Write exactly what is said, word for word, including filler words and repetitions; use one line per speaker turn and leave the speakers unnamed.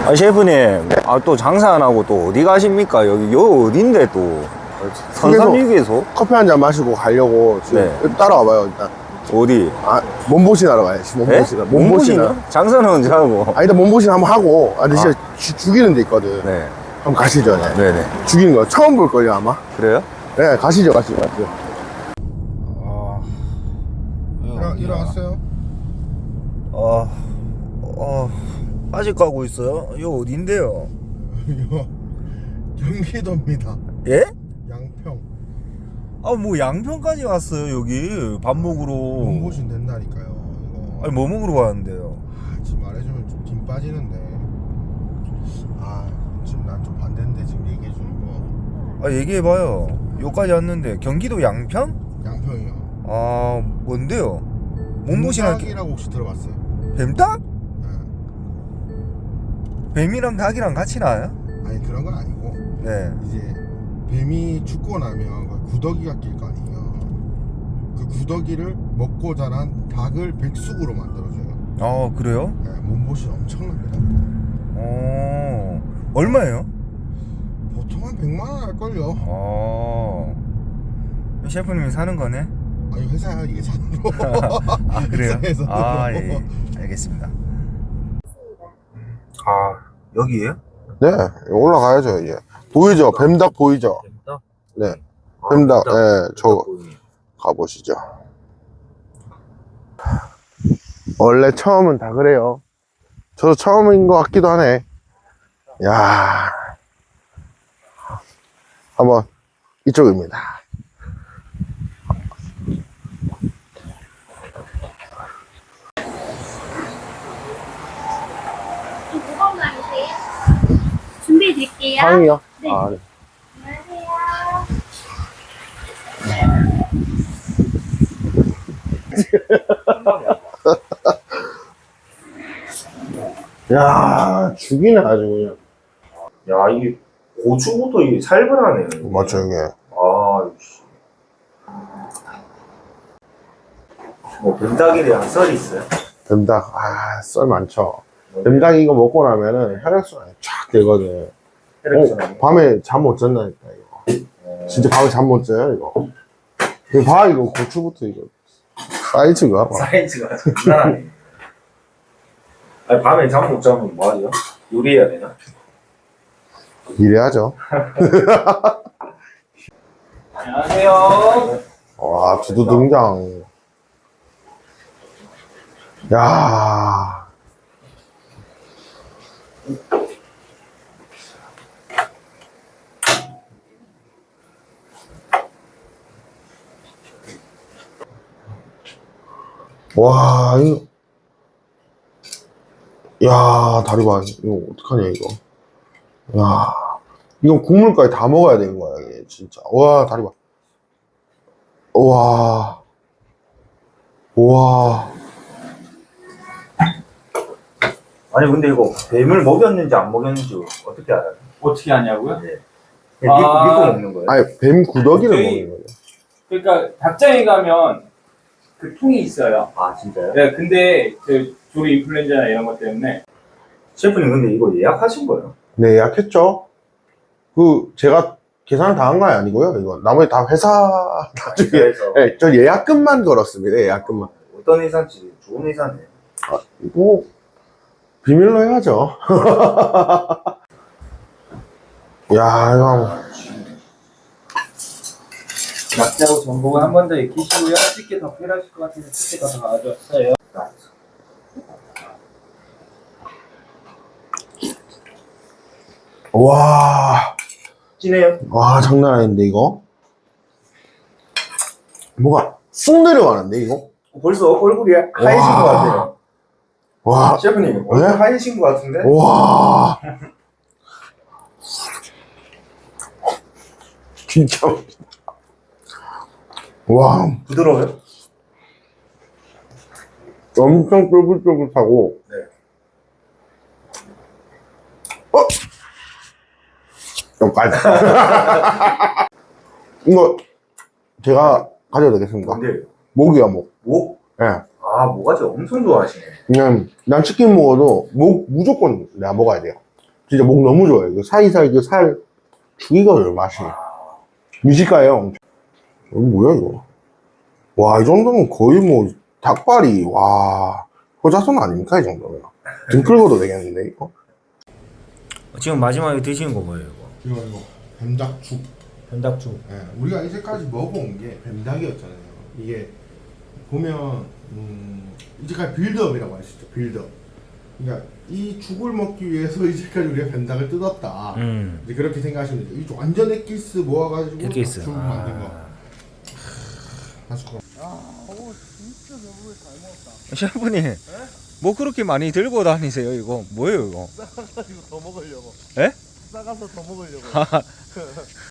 아, 셰프님, 아, 또 장사 안 하고 또 어디 가십니까? 여기, 요 어딘데 또? 선삼육에서?
커피 한 잔 마시고 가려고 지금
네.
따라와봐요 일단.
어디?
아 몸보신하러 가야지. 몸보신.
네?
몸보신.
장사는 언제 하고?
아 일단 몸보신 한번 하고. 아 근데
아.
진짜 주- 죽이는 데 있거든.
네.
한번 가시죠. 네.
네네.
죽이는 거 처음 볼 걸요 아마.
그래요?
네 가시죠 가시죠. 가시죠.
아.
일어, 일어났어요?
아, 어, 아직 가고 있어요? 이거 어딘데요?
이거 경기도입니다.
예?
양평.
아, 뭐 양평까지 왔어요, 여기. 밥 먹으러.
몸보신 된다니까요. 이거.
아니, 뭐 먹으러 가는데요?
아, 지금 말해주면 좀 김 빠지는데. 아 지금 난 좀 반대인데 지금 얘기해 주는 거.
아, 얘기해봐요. 여기까지 왔는데. 경기도 양평?
양평이요.
아, 뭔데요? 몸보신 할게.
뱀닭이라고 혹시 들어봤어요?
뱀닭?
네.
뱀이랑 닭이랑 같이 나와요?
아니 그런 건 아니고
네.
이제 뱀이 죽고 나면 그 구더기가 낄 거 아니에요. 그 구더기를 먹고 자란 닭을 백숙으로 만들어줘요.
아, 그래요?
네, 몸보신 엄청납니다.
어, 얼마예요?
보통 한 백만 원 할걸요.
어, 셰프님이 사는 거네?
아니 회사야 이게 산으로.
아, 그래요?
회사에서.
아, 예. 알겠습니다. 아, 여기에요?
네 올라가야죠 이제. 보이죠? 뱀닭 보이죠?
뱀닭?
네
아,
뱀닭.
뱀닭.
네, 저
보이네.
가보시죠. 원래 처음은 다 그래요. 저도 처음인 것 같기도 하네. 야, 한번 이쪽입니다.
준비해 드릴게요.
상이요?
네.
아, 네.
안녕하세요.
야, 죽이네 아주 그냥.
야, 이게 고추부터 이게 살벌하네요. 이게.
맞죠 이게.
아, 씨. 뭐 뱀닭이랑 썰이 있어요?
뱀닭, 아, 썰 많죠. 뱀닭 이거 먹고 나면은 혈액순환이 쫙 되거든.
혈액순환이?
어, 밤에 잠 못 잔다니까 이거.
어.
진짜 밤에 잠 못 자요 이거. 이거 봐 이거 고추부터 이거 사이즈가 봐.
사이즈가 장난하네. 아니, 밤에 잠 못 자면 뭐 하죠? 요리해야 되나?
이래야죠.
안녕하세요.
와 두두 등장. 야. 와 이거. 야 다리 봐 이거 어떡하냐 이거. 야 이거 국물까지 다 먹어야 되는 거야 이게 진짜. 와 다리 봐. 와. 와.
아니, 근데 이거 뱀을 먹였는지 안 먹였는지 어떻게 알아요?
어떻게 하냐고요?
네. 그냥 믿고,
아.
믿고 먹는 거예요?
아니 뱀 구더기를
저희-
먹는 거예요.
그러니까 닭장에 가면 그 통이 있어요.
아, 진짜요?
네, 근데 그 조류 인플루엔자나 이런 것 때문에
셰프님, 근데 이거 예약하신 거예요?
네 예약했죠. 그 제가 계산을 다 한 거 아니고요. 이거 나머지 다 회사 나중에.
그래서
네, 저 예약금만 걸었습니다. 예약금만.
어떤 회사인지 좋은 회사네요.
뭐 비밀로 해야죠. 야 이거 한번.
낙지하고 전복은 한 번 더 익히시고요. 쉽게 더 필요하실 것 같아서 쉽게 더 가져왔어요.
와,
진해요?
와 장난 아닌데 이거. 뭐가 쑥 내려가는데 이거.
벌써 얼굴이 하얘진
와.
것 같아요.
와,
셰프님, 얼굴
네?
하얘진 것 같은데?
와. 진짜. 와,
부드러워요?
엄청 쫄깃쫄깃하고.
네.
어? 여기까지. 이거 제가 가져도 되겠습니까?
뭔데요?
목이야 목.
목?
예.
아, 모가지 엄청 좋아하시네.
그냥 난 치킨 먹어도 목 무조건 내가 먹어야 돼요. 진짜 목 너무 좋아요. 그 사이사이 그 살 죽이거든요, 맛이. 미식가예요. 이거 뭐야, 이거? 와, 이 정도면 거의 뭐, 닭발이, 와, 효자손 아닙니까, 이 정도면? 등 끌고도 되겠는데, 이거?
지금 마지막에 드시는 거 뭐예요, 이거?
이거, 이거, 뱀닭죽.
현닭죽.
예, 우리가 이제까지 먹어온 게 뱀닭이었잖아요. 이게, 보면, 음, 이제까지 빌드업이라고 할 수 있죠, 빌드업. 그러니까, 이 죽을 먹기 위해서 이제까지 우리가 뱀닭을 뜯었다.
음.
이제 그렇게 생각하시면 돼요. 이 완전 엑기스 모아가지고
엑기스.
죽
아.
만든 거. 맛있고.
셰프님, 뭐 그렇게 많이 들고 다니세요, 이거? 뭐예요, 이거?
싸가지고 더 먹으려고.
에?
싸가서 더 먹으려고.